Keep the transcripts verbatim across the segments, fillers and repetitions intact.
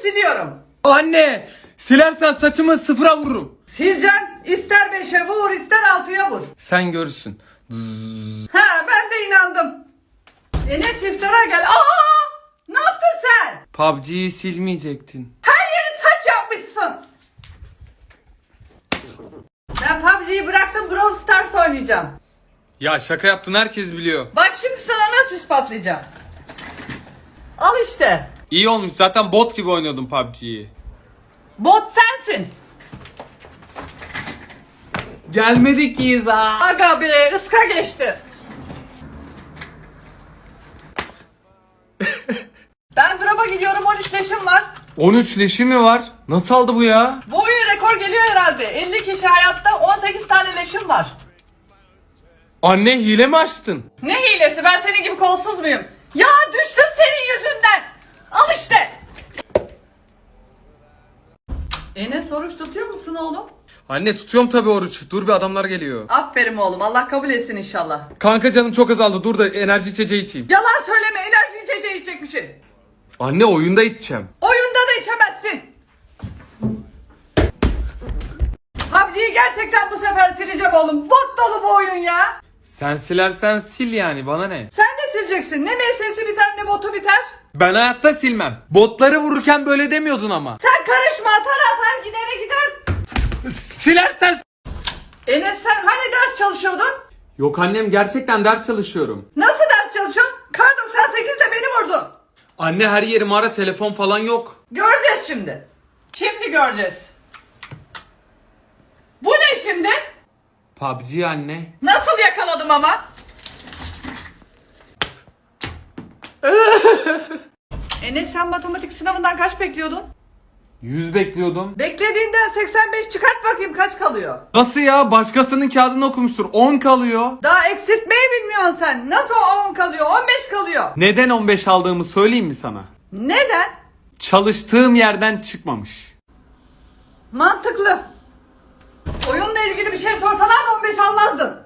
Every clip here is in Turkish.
siliyorum. Anne! Silersen saçımı sıfıra vururum. Sileceğim. İster beşe vur, ister altıya vur. Sen görürsün. Ha, ben de inandım. Enes iftara gel. Aa! Ne yaptın sen? P U B G'yi silmeyecektin. Her yeri saç yapmışsın. Ben P U B G'yi bıraktım, Brawl Stars oynayacağım. Ya şaka yaptın, herkes biliyor. Bak şimdi sana nasıl ispatlayacağım. Al işte. İyi olmuş, zaten bot gibi oynuyordum P U B G'yi. Bot sensin. Gelmedik İza. Aga be, ıska geçti. Ben drop'a gidiyorum, on üç leşim var. on üç leşi mi var? Nasıl aldı bu ya? Bu oyun rekor geliyor herhalde. elli kişi hayatta, on sekiz tane leşim var. Anne, hile mi açtın? Ne hilesi, ben senin gibi kolsuz muyum? Ya düştüm senin yüzünden. Al işte. Enes, oruç tutuyor musun oğlum? Anne, tutuyorum tabii oruç. Dur bir, adamlar geliyor. Aferin oğlum, Allah kabul etsin inşallah. Kanka, canım çok azaldı. Dur da enerji içeceği içeyim. Yalan söyleme, enerji içeceği içecekmişsin. Anne, oyunda içeceğim. Oyunda da içemezsin. P U B G'yi gerçekten bu sefer sileceğim oğlum. Bot dolu bu oyun ya. Sen silersen sil yani, bana ne? Sen de sileceksin. Ne M S'si biter ne botu biter. Ben hayatta silmem. Botları vururken böyle demiyordun ama. Sen karışma, atar atar gidere gider. Silersen... Enes, sen hani ders çalışıyordun? Yok annem, gerçekten ders çalışıyorum. Nasıl ders çalışıyorsun? Kar doksan sekizle beni vurdun. Anne, her yerim ara, telefon falan yok. Göreceğiz şimdi. Şimdi göreceğiz. Bu ne şimdi? P U B G anne. Nasıl yakaladım ama? Enes, sen matematik sınavından kaç bekliyordun? yüz bekliyordum. Beklediğinden seksen beş çıkart bakayım, kaç kalıyor? Nasıl ya? Başkasının kağıdını okumuştur. on kalıyor. Daha eksiltmeyi bilmiyorsun sen. Nasıl on kalıyor? on beş kalıyor. Neden on beş aldığımı söyleyeyim mi sana? Neden? Çalıştığım yerden çıkmamış. Mantıklı. Oyunla ilgili bir şey sorsalar da on beş almazdın.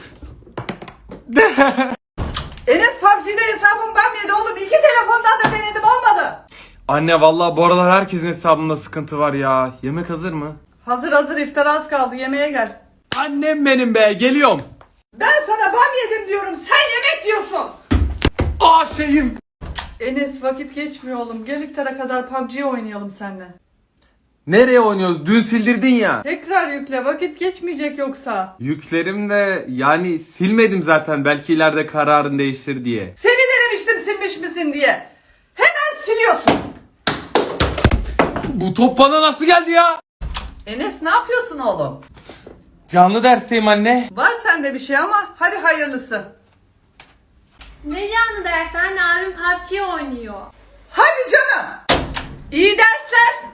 Enes, P U B G'de hesabım bam yedi oğlum. İki telefondan da denedim, olmadı. Anne, vallahi bu aralar herkesin hesabında sıkıntı var ya. Yemek hazır mı? Hazır hazır, iftar az kaldı, yemeğe gel. Annem benim be, geliyorum. Ben sana bam yedim diyorum, sen yemek diyorsun. Aa şeyim. Enes, vakit geçmiyor oğlum. Gel iftara kadar P U B G oynayalım seninle. Nereye oynuyoruz? Dün sildirdin ya. Tekrar yükle, vakit geçmeyecek yoksa. Yüklerim de yani silmedim zaten, belki ileride kararın değiştir diye. Seni denemiştim silmiş misin diye. Hemen siliyorsun. Bu top bana nasıl geldi ya? Enes, ne yapıyorsun oğlum? Canlı dersteyim anne. Var sende bir şey ama hadi hayırlısı. Ne canlı ders anne, abim P U B G oynuyor. Hadi canım. İyi dersler.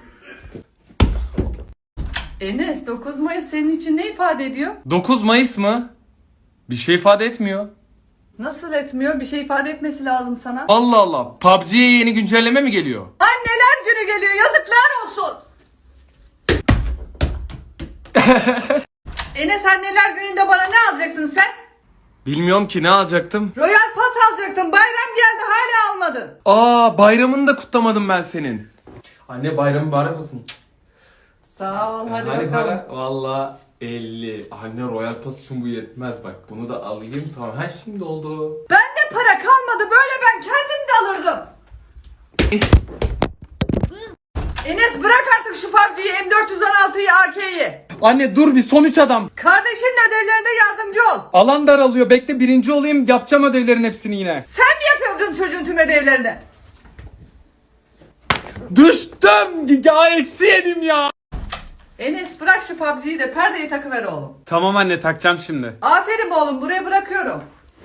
Enes, dokuz Mayıs senin için ne ifade ediyor? dokuz Mayıs mı? Bir şey ifade etmiyor. Nasıl etmiyor? Bir şey ifade etmesi lazım sana. Allah Allah. P U B G'ye yeni güncelleme mi geliyor? Anneler günü geliyor, yazıklar olsun. Enes, anneler gününde bana ne alacaktın sen? Bilmiyorum ki, ne alacaktım? Royal Pass alacaktın. Bayram geldi, hala almadın. Aa, bayramını da kutlamadım ben senin. Anne, bayramı mübarek olsun. Sağ ol, hadi Hani bakalım. para? Valla elli. Anne, Royal Pass için bu yetmez bak. Bunu da alayım, tamam. Ha, şimdi oldu. Bende para kalmadı, böyle ben kendim de alırdım. Enes, bırak artık şu P U B G'yi, M dört yüz on altıyı, A K'yi. Anne dur bir, son üç adam. Kardeşinin ödevlerinde yardımcı ol. Alan daralıyor. Bekle, birinci olayım, yapacağım ödevlerin hepsini yine. Sen mi yapıyordun çocuğun tüm ödevlerini? Düştüm. Ya eksi yedim ya. Enes, bırak şu P U B G'yi de perdeyi takıver oğlum. Tamam anne, takacağım şimdi. Aferin oğlum, buraya bırakıyorum.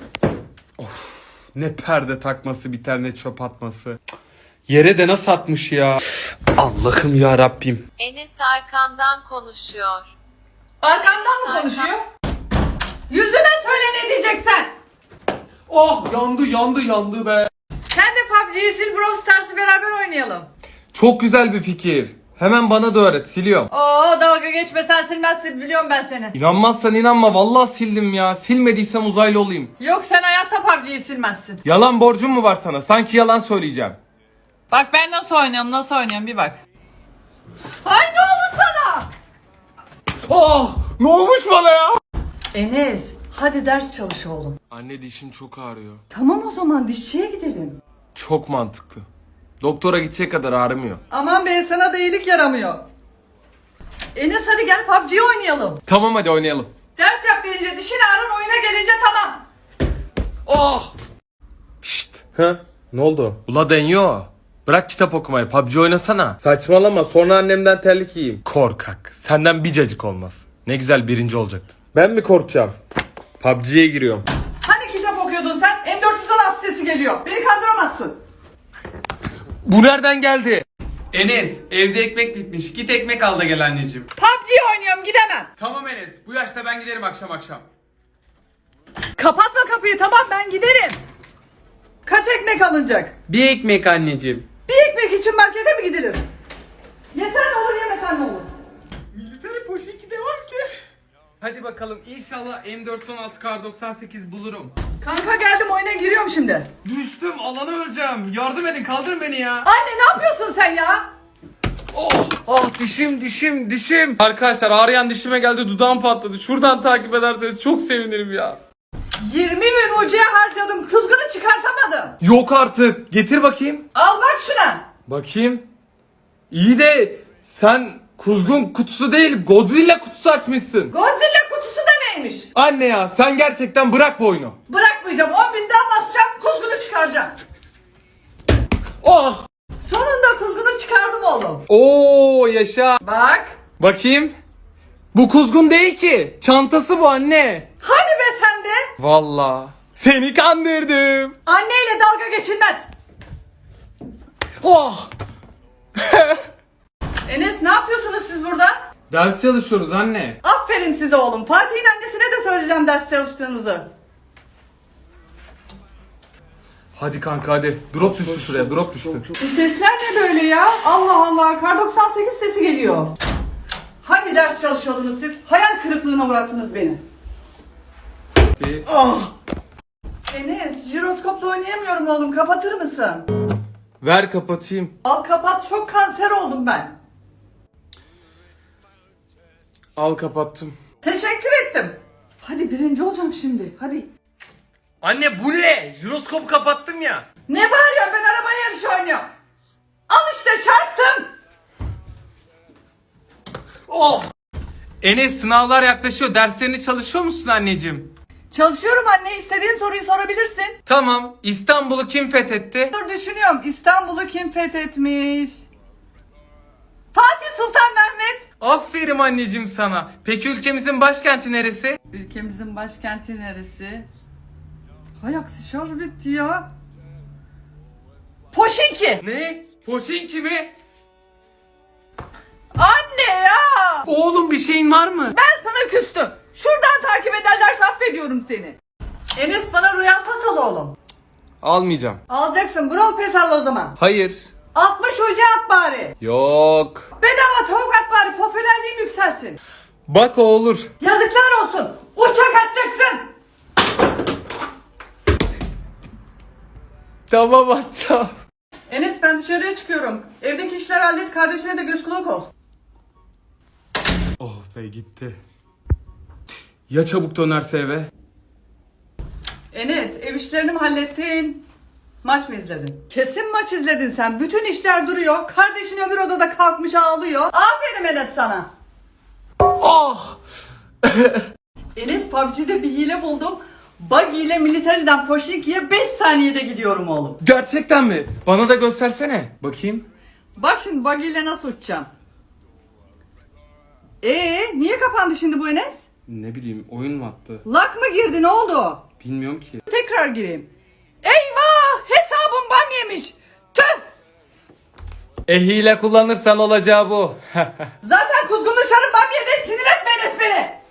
Ne perde takması biter, ne çöp atması. Yere de nasıl atmış ya. Allah'ım ya Rabbim. Enes arkandan konuşuyor. Arkandan mı konuşuyor? Yüzüme söyle ne diyeceksen. Oh, yandı yandı yandı be. Sen de P U B G'yi sil, Brawl Stars'ı beraber oynayalım. Çok güzel bir fikir. Hemen bana da öğret, siliyorum. Oo, dalga geçme, sen silmezsin, biliyorum ben seni. İnanmazsan inanma, vallahi sildim ya. Silmediysem uzaylı olayım. Yok, sen hayatta P U B G'yi silmezsin. Yalan borcum mu var sana? Sanki yalan söyleyeceğim. Bak ben nasıl oynuyorum nasıl oynuyorum bir bak. Ay ne oldu sana? Oh! Ne olmuş bana ya? Enes hadi ders çalış oğlum. Anne dişim çok ağrıyor. Tamam o zaman dişçiye gidelim. Çok mantıklı. Doktora gidecek kadar ağrımıyor. Aman be sana da iyilik yaramıyor. Enes hadi gel P U B G oynayalım. Tamam hadi oynayalım. Ders yap gelince dişin ağrın oyuna gelince tamam. Oh! Pişt. Ha? Ne oldu? Ula deniyor. Bırak kitap okumayı. P U B G oynasana. Saçmalama. Sonra annemden terlik yiyeyim. Korkak. Senden bir cacık olmaz. Ne güzel birinci olacaktın. Ben mi korkacağım? P U B G'ye giriyorum. Hani kitap okuyordun sen? M dört yüz on altı sesi geliyor. Beni kandıramazsın. Bu nereden geldi? Enes evde ekmek bitmiş. Git ekmek al da gel anneciğim. P U B G oynuyorum gidemem. Tamam Enes. Bu yaşta ben giderim akşam akşam. Kapatma kapıyı tamam ben giderim. Kaç ekmek alınacak? Bir ekmek anneciğim. Bir ekmek için markete mi gidilir? Yesen ne olur yemesen ne olur? Military poşeti de var ki. Hadi bakalım inşallah M dört on altı Kar doksan sekiz bulurum. Kanka geldim oyuna giriyorum şimdi. Düştüm alanı öleceğim. Yardım edin kaldırın beni ya. Anne ne yapıyorsun sen ya? Oh, oh dişim dişim dişim. Arkadaşlar ağrıyan dişime geldi dudağım patladı. Şuradan takip ederseniz çok sevinirim ya. yirmi bin ucuya harcadım kuzgunu çıkartamadım. Yok artık. Getir bakayım. Al bak şuna. Bakayım. İyi de sen kuzgun kutusu değil Godzilla kutusu açmışsın. Godzilla kutusu da neymiş? Anne ya sen gerçekten bırak bu oyunu. Bırakmayacağım on bin daha basacağım kuzgunu çıkaracağım. Oh. Sonunda kuzgunu çıkardım oğlum. Oo yaşa. Bak. Bakayım. Bu kuzgun değil ki. Çantası bu anne. Hadi be sen de. Vallahi. Seni kandırdım. Anneyle dalga geçilmez. Oh. Enes ne yapıyorsunuz siz burada? Ders çalışıyoruz anne. Aferin size oğlum. Fatih'in annesine de söyleyeceğim ders çalıştığınızı. Hadi kanka hadi. Drop düştü şuraya. Drop düştü. Bu sesler ne böyle ya? Allah Allah. Kar doksan sekiz sesi geliyor. Hangi ders çalışıyordunuz siz? Hayal kırıklığına uğrattınız beni. Ah! Enes, jiroskopla oynayamıyorum oğlum. Kapatır mısın? Ver kapatayım. Al kapat. Çok kanser oldum ben. Al kapattım. Teşekkür ettim. Hadi birinci olacağım şimdi. Hadi. Anne bu ne? Jiroskopu kapattım ya. Ne bağırıyorsun? Ben araba yarışı oynuyorum. Al işte çarptım. Oh. Enes sınavlar yaklaşıyor. Derslerini çalışıyor musun anneciğim? Çalışıyorum anne. İstediğin soruyu sorabilirsin. Tamam. İstanbul'u kim fethetti? Dur düşünüyorum. İstanbul'u kim fethetmiş? Fatih Sultan Mehmet. Aferin anneciğim sana. Peki ülkemizin başkenti neresi? Ülkemizin başkenti neresi? Hay aksi şarj bitti ya. Poşinki. Ne? Poşinki mi? Anne ya. Oğlum bir şeyin var mı? Ben sana küstüm. Şuradan takip ederlerse affediyorum seni. Enes bana Royal Pass al oğlum. Almayacağım. Alacaksın. Brawl Pass al o zaman. Hayır. altmış hoca at bari. Yok. Bedava tavuk at bari. Popülerliğin yükselsin. Bak o olur. Yazıklar olsun. Uçak atacaksın. Tamam atacağım. Enes ben dışarıya çıkıyorum. Evdeki işler hallet. Kardeşine de göz kulak ol. Oh be gitti. Ya çabuk dönerse eve? Enes ev işlerini mi hallettin? Maç mı izledin? Kesin maç izledin sen. Bütün işler duruyor. Kardeşin öbür odada kalkmış ağlıyor. Aferin Enes sana. Oh! Enes P U B G'de bir hile buldum. Buggy ile Military'den Poşinki'ye beş saniyede gidiyorum oğlum. Gerçekten mi? Bana da göstersene. Bakayım. Bak şimdi Buggy ile nasıl uçacağım. Ee, niye kapandı şimdi bu Enes? Ne bileyim oyun mu attı? Lak mı girdi ne oldu? Bilmiyorum ki. Tekrar gireyim. Eyvah! Hesabım bam yemiş. Tüh! E hile kullanırsan olacağı bu. Zaten kuzgun dışarı bam yedi. Sinir etme Enes beni.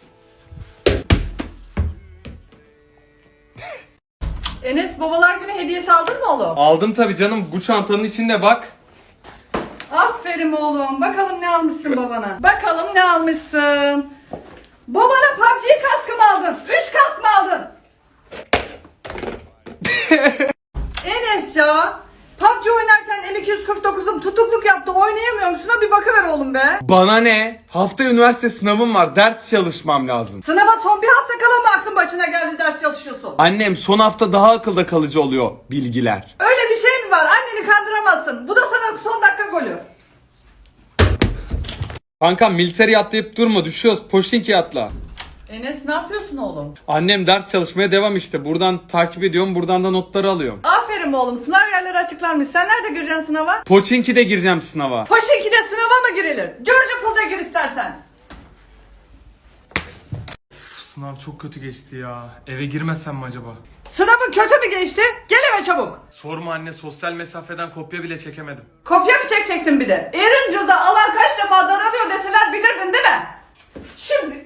Enes babalar günü hediyesi aldın mı oğlum? Aldım tabii canım. Bu çantanın içinde bak. Aferin oğlum. Bakalım ne almışsın babana. Bakalım ne almışsın. Babana P U B G kaskı mı aldın? Üç kask mı aldın? Enes ya. P U B G oynarken M iki yüz kırk oğlum be. Bana ne? Hafta üniversite sınavım var. Ders çalışmam lazım. Sınava son bir hafta kala mı aklın başına geldi ders çalışıyorsun? Annem son hafta daha akılda kalıcı oluyor bilgiler. Öyle bir şey mi var? Anneni kandıramazsın. Bu da sana son dakika golü. Kanka militeri atlayıp durma, düşüyoruz. Poşinki atla. Enes ne yapıyorsun oğlum? Annem ders çalışmaya devam işte. Buradan takip ediyorum, buradan da notları alıyorum. Aferin oğlum, sınav yerleri açıklanmış. Sen nerede gireceksin sınava? Poçinki'de gireceğim sınava. Poşinki'de sınava mı girilir? George Pool'da gir istersen. Sınav çok kötü geçti ya. Eve girmesem mi acaba? Sınavın kötü mü geçti? Gel eve çabuk. Sorma anne, sosyal mesafeden kopya bile çekemedim. Kopya mı çekecektin bir de? Erincil'de alan kaç defa daralıyor deseler bilirdin değil mi? Şimdi...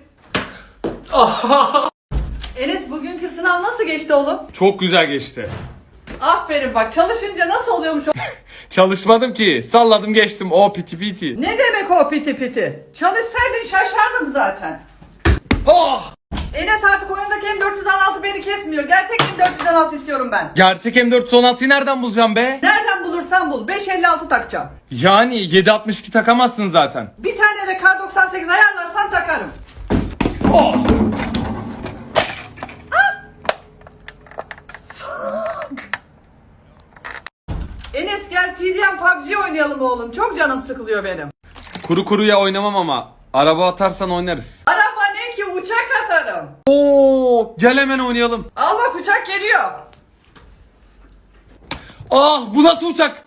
Enes bugünkü sınav nasıl geçti oğlum? Çok güzel geçti. Aferin bak, çalışınca nasıl oluyormuş o... Çalışmadım ki. Salladım geçtim. O piti piti. Ne demek o piti piti? Çalışsaydın şaşardım zaten. Oh! Enes artık oyundaki M dört yüz on altı beni kesmiyor. Gerçek M dört yüz on altı istiyorum ben. Gerçek M dört yüz on altıyı nereden bulacağım be? Nereden bulursan bul. beş elli altı takacağım. Yani yedi altmış iki takamazsın zaten. Bir tane de kar doksan sekiz ayarlarsan takarım. Oh! Enes gel T D M P U B G oynayalım oğlum. Çok canım sıkılıyor benim. Kuru kuruya oynamam ama. Araba atarsan oynarız. Araba ne ki, uçak atarım. Oo! Gel hemen oynayalım. Al bak, uçak geliyor. Ah, bu nasıl uçak?